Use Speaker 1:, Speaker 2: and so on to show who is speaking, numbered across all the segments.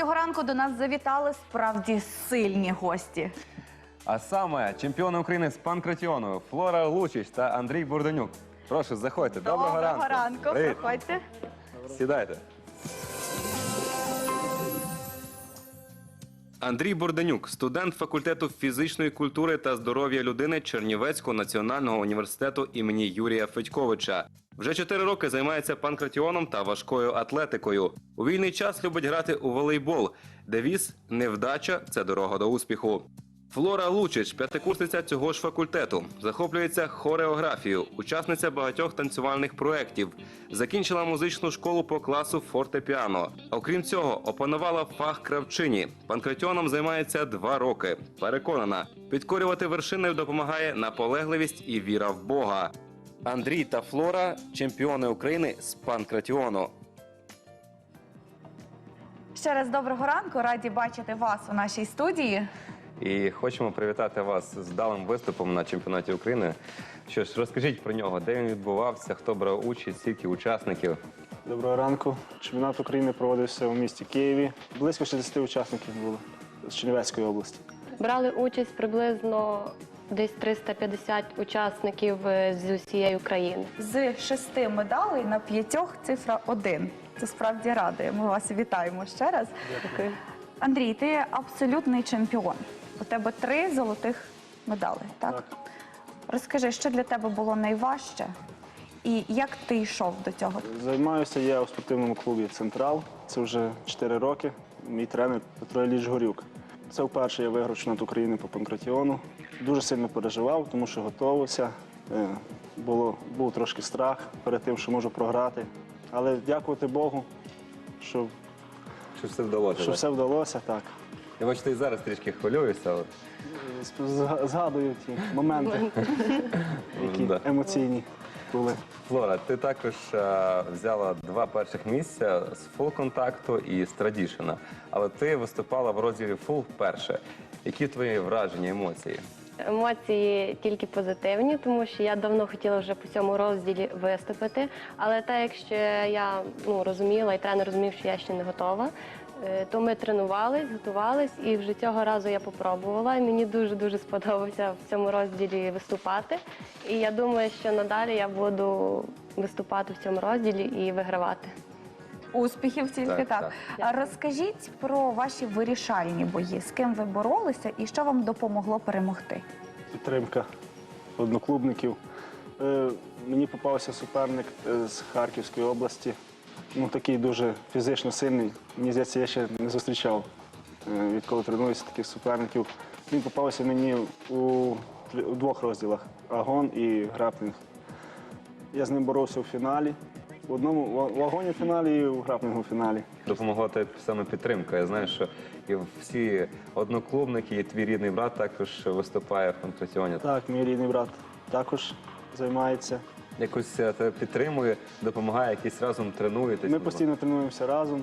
Speaker 1: цього ранку до нас завітали справді сильні гості.
Speaker 2: А саме чемпіони України з панкратіону Флора Лучич та Андрій Бурденюк. Прошу, заходьте. Доброго ранку.
Speaker 1: Доброго ранку.
Speaker 2: Привіт.
Speaker 1: Проходьте.
Speaker 2: Сідайте. Андрій Бурденюк – студент факультету фізичної культури та здоров'я людини Чернівецького національного університету імені Юрія Федьковича. Вже 4 роки займається панкратіоном та важкою атлетикою. У вільний час любить грати у волейбол. Девіз «Невдача – це дорога до успіху». Флора Лучич – п'ятикурсниця цього ж факультету. Захоплюється хореографією, учасниця багатьох танцювальних проєктів. Закінчила музичну школу по класу фортепіано. Окрім цього, опанувала фах кравчині. Панкратіоном займається 2 роки. Переконана, підкорювати вершини допомагає наполегливість і віра в Бога. Андрій та Флора – чемпіони України з панкратіону.
Speaker 1: Ще раз доброго ранку. Раді бачити вас у нашій студії.
Speaker 2: І хочемо привітати вас з вдалим виступом на чемпіонаті України. Що ж, розкажіть про нього, де він відбувався, хто брав участь, скільки учасників?
Speaker 3: Доброго ранку. Чемпіонат України проводився у місті Києві. Близько 60 учасників було з Чернівецької області.
Speaker 4: Брали участь приблизно десь 350 учасників з усієї України.
Speaker 1: З 6 медалей на 5 цифра 1. Це справді радує. Ми вас вітаємо ще раз.
Speaker 4: Дякую.
Speaker 1: Андрій, ти абсолютний чемпіон. У тебе 3 золотих медалі, так?
Speaker 3: Так.
Speaker 1: Розкажи, що для тебе було найважче і як ти йшов до цього?
Speaker 3: Займаюся я у спортивному клубі «Централ». Це вже 4 роки. Мій тренер Петро Ілліч Горюк. Це вперше я виграв чемпіонат України по панкратіону. Дуже сильно переживав, тому що готувався. Був трошки страх перед тим, що можу програти. Але дякувати Богу, що
Speaker 2: Що все вдалося?
Speaker 3: все вдалося, так.
Speaker 2: Я бачу, ти і зараз трішки хвилюєшся. Але...
Speaker 3: Згадую ті моменти, які
Speaker 2: Да.
Speaker 3: емоційні були.
Speaker 2: Флора, ти також взяла 2 перших місця з фул-контакту і з традішена. Але ти виступала в розділі фул вперше. Які твої враження, емоції?
Speaker 4: Емоції тільки позитивні, тому що я давно хотіла вже по цьому розділі виступити. Але так, якщо я розуміла, і тренер розумів, що я ще не готова, то ми тренувались, готувались, і вже цього разу я попробувала. І мені дуже-дуже сподобалося в цьому розділі виступати. І я думаю, що надалі я буду виступати в цьому розділі і вигравати.
Speaker 1: Успіхів тільки так.
Speaker 4: Дякую.
Speaker 1: Розкажіть про ваші вирішальні бої. З ким ви боролися і що вам допомогло перемогти?
Speaker 3: Підтримка одноклубників. Мені попався суперник з Харківської області. Такий дуже фізично сильний. Мені здається, я ще не зустрічав, відколи тренуюся, таких суперників. Він попався мені у 2 розділах – агон і граплінг. Я з ним боровся у фіналі. В агоні фіналі і у граплінгу фіналі.
Speaker 2: Допомогла тобі саме підтримка. Я знаю, що і всі одноклубники, і твій рідний брат також виступає в панкратіоні.
Speaker 3: Так, мій рідний брат також займається.
Speaker 2: Якось тебе підтримує, допомагає, якісь разом тренуєтесь.
Speaker 3: Ми постійно тренуємося разом,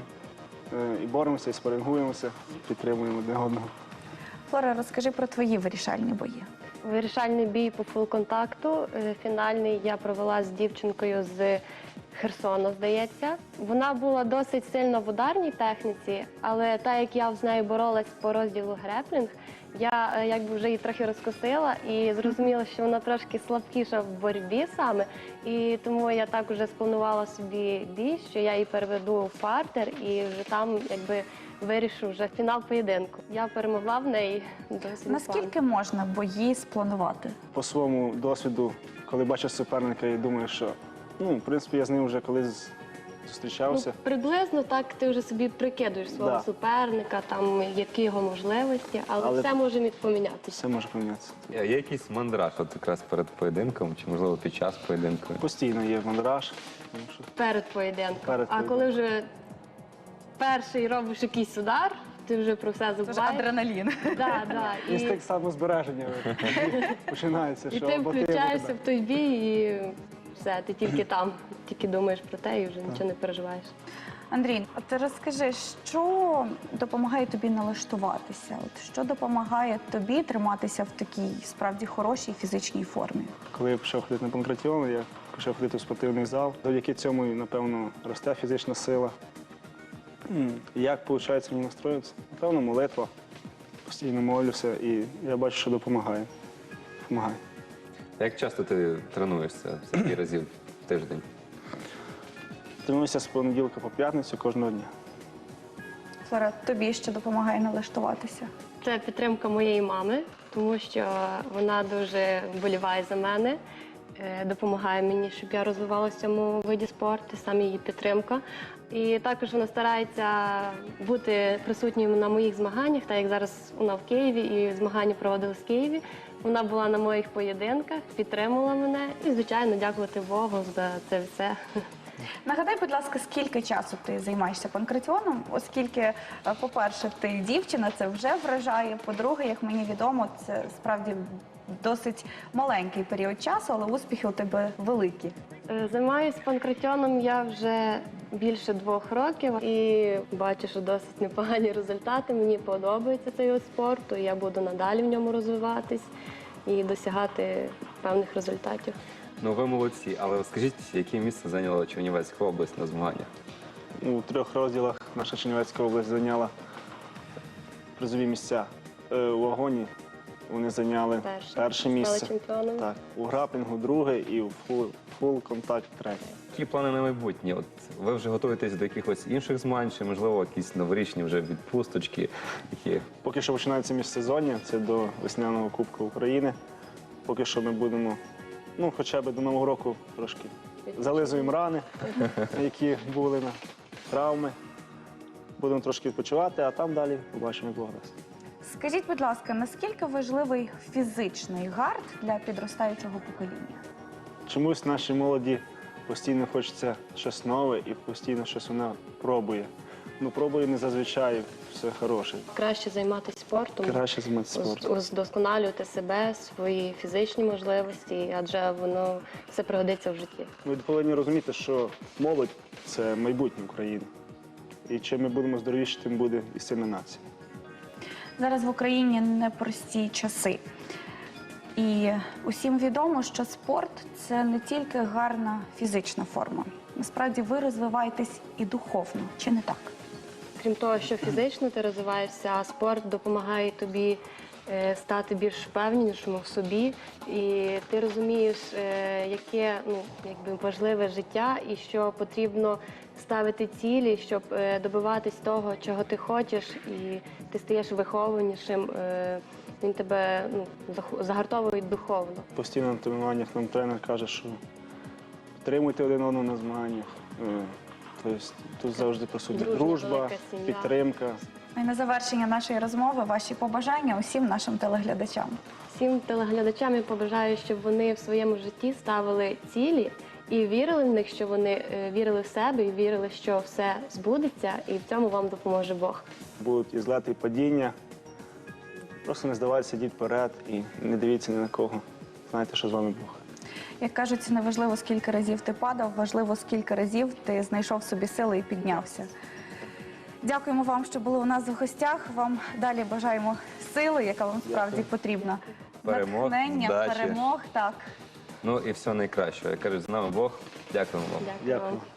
Speaker 3: і боремося, і спарингуємося, підтримуємо одне одного.
Speaker 1: Флора, розкажи про твої вирішальні бої.
Speaker 4: Вирішальний бій по фул-контакту, фінальний, я провела з дівчинкою з Херсону, здається. Вона була досить сильна в ударній техніці, але так як я з нею боролась по розділу греплінг, я якби вже її трохи розкосила і зрозуміла, що вона трошки слабкіша в боротьбі саме. І тому я так вже спланувала собі бій, що я її переведу в партер і вже там якби вирішу вже фінал поєдинку. Я перемогла в неї досить.
Speaker 1: Наскільки можна бої спланувати?
Speaker 3: По своєму досвіду, коли бачиш суперника і думаєш, що в принципі я з ним вже колись зустрічався.
Speaker 4: Приблизно так ти вже собі прикидуєш свого суперника, там які його можливості, але все може помінятися.
Speaker 3: Все може помінятися.
Speaker 2: Є якийсь мандраж от якраз перед поєдинком, чи можливо під час поєдинку?
Speaker 3: Постійно є мандраж.
Speaker 4: Перед поєдинком.
Speaker 3: Перед
Speaker 4: А коли вже перший робиш якийсь удар, ти вже про все
Speaker 1: Це ж
Speaker 4: забуваєш.
Speaker 1: адреналін.
Speaker 3: Інстинкт самозбереження починається.
Speaker 4: І ти включаєшся в той бій і все, ти тільки там, тільки думаєш про те і вже нічого не переживаєш.
Speaker 1: Андрій, от розкажи, що допомагає тобі налаштуватися? Що допомагає тобі триматися в такій справді хорошій фізичній формі?
Speaker 3: Коли я почав ходити на панкратіон, я почав ходити в спортивний зал. Завдяки цьому, напевно, росте фізична сила. Як виходить мені настроїтися? Напевно, молитва. Постійно молюся і я бачу, що допомагає. Допомагає.
Speaker 2: Як часто ти тренуєшся? Скільки разів в тиждень?
Speaker 3: Тренуюся з понеділка по п'ятницю кожного дня.
Speaker 1: Флора, тобі що допомагає налаштуватися?
Speaker 4: Це підтримка моєї мами, тому що вона дуже вболіває за мене, допомагає мені, щоб я розвивалася в цьому виді спорту, саме її підтримка. І також вона старається бути присутньою на моїх змаганнях, так як зараз вона в Києві і змагання проводились в Києві. Вона була на моїх поєдинках, підтримала мене і, звичайно, дякувати Богу за це все.
Speaker 1: Нагадай, будь ласка, скільки часу ти займаєшся панкратіоном, оскільки, по-перше, ти дівчина, це вже вражає, по-друге, як мені відомо, це справді досить маленький період часу, але успіхи у тебе великі.
Speaker 4: Займаюся панкратіоном я вже більше 2 років і бачу, що досить непогані результати. Мені подобається цей вид спорту, і я буду надалі в ньому розвиватись і досягати певних результатів.
Speaker 2: Ну, ви молодці, але скажіть, яке місце зайняла Чернівецька область на змаганнях?
Speaker 3: У 3 розділах наша Чернівецька область зайняла призові місця. У вагоні вони зайняли перше місце.
Speaker 4: Стали чемпіонами.
Speaker 3: Так, у граплінгу друге і у фул контакт третє.
Speaker 2: Які плани на майбутнє? От ви вже готуєтесь до якихось інших змагань, чи, можливо, якісь новорічні вже відпусточки, які
Speaker 3: Поки що починається міжсезоння, це до весняного Кубку України. Поки що ми будемо, хоча б до Нового року трошки зализуємо рани, які були на травми. Будемо трошки відпочивати, а там далі побачимо, як Бог дасть.
Speaker 1: Скажіть, будь ласка, наскільки важливий фізичний гард для підростаючого покоління?
Speaker 3: Чомусь нашій молоді постійно хочеться щось нове і постійно щось вона пробує. Пробує не зазвичай все хороше.
Speaker 4: Краще займатися спортом,
Speaker 3: Краще займатися спортом.
Speaker 4: вдосконалювати себе, свої фізичні можливості, адже воно все пригодиться в житті.
Speaker 3: Ми повинні розуміти, що молодь – це майбутнє України. І чим ми будемо здоровіші, тим буде і сильна нація.
Speaker 1: Зараз в Україні непрості часи. І усім відомо, що спорт – це не тільки гарна фізична форма. Насправді ви розвиваєтесь і духовно, чи не так?
Speaker 4: Крім того, що фізично ти розвиваєшся, спорт допомагає тобі стати більш впевненішим в собі. І ти розумієш, яке важливе життя і що потрібно ставити цілі, щоб добиватись того, чого ти хочеш, і ти стаєш вихованішим. Він тебе загартовує духовно.
Speaker 3: Постійно на тренуваннях нам тренер каже, що підтримуйте один одного на змаганнях. Тобто тут завжди присутня дружба,
Speaker 4: велика сім'я.
Speaker 3: підтримка.
Speaker 1: І на завершення нашої розмови ваші побажання усім нашим телеглядачам.
Speaker 4: Всім телеглядачам я побажаю, щоб вони в своєму житті ставили цілі і вірили в них, що вони вірили в себе і вірили, що все збудеться, і в цьому вам допоможе Бог.
Speaker 3: Будуть і злети, і падіння. Просто не здавайтеся, йдіть вперед і не дивіться ні на кого. Знайте, що з вами Бог.
Speaker 1: Як кажуть, не важливо, скільки разів ти падав, важливо, скільки разів ти знайшов собі сили і піднявся. Дякуємо вам, що були у нас в гостях. Вам далі бажаємо сили, яка вам справді потрібна.
Speaker 2: Перемог,
Speaker 1: натхнення,
Speaker 2: вдачі.
Speaker 1: перемог, так.
Speaker 2: Ну і все найкращого. Як кажуть, з нами Бог. Дякуємо вам.
Speaker 3: Дякую.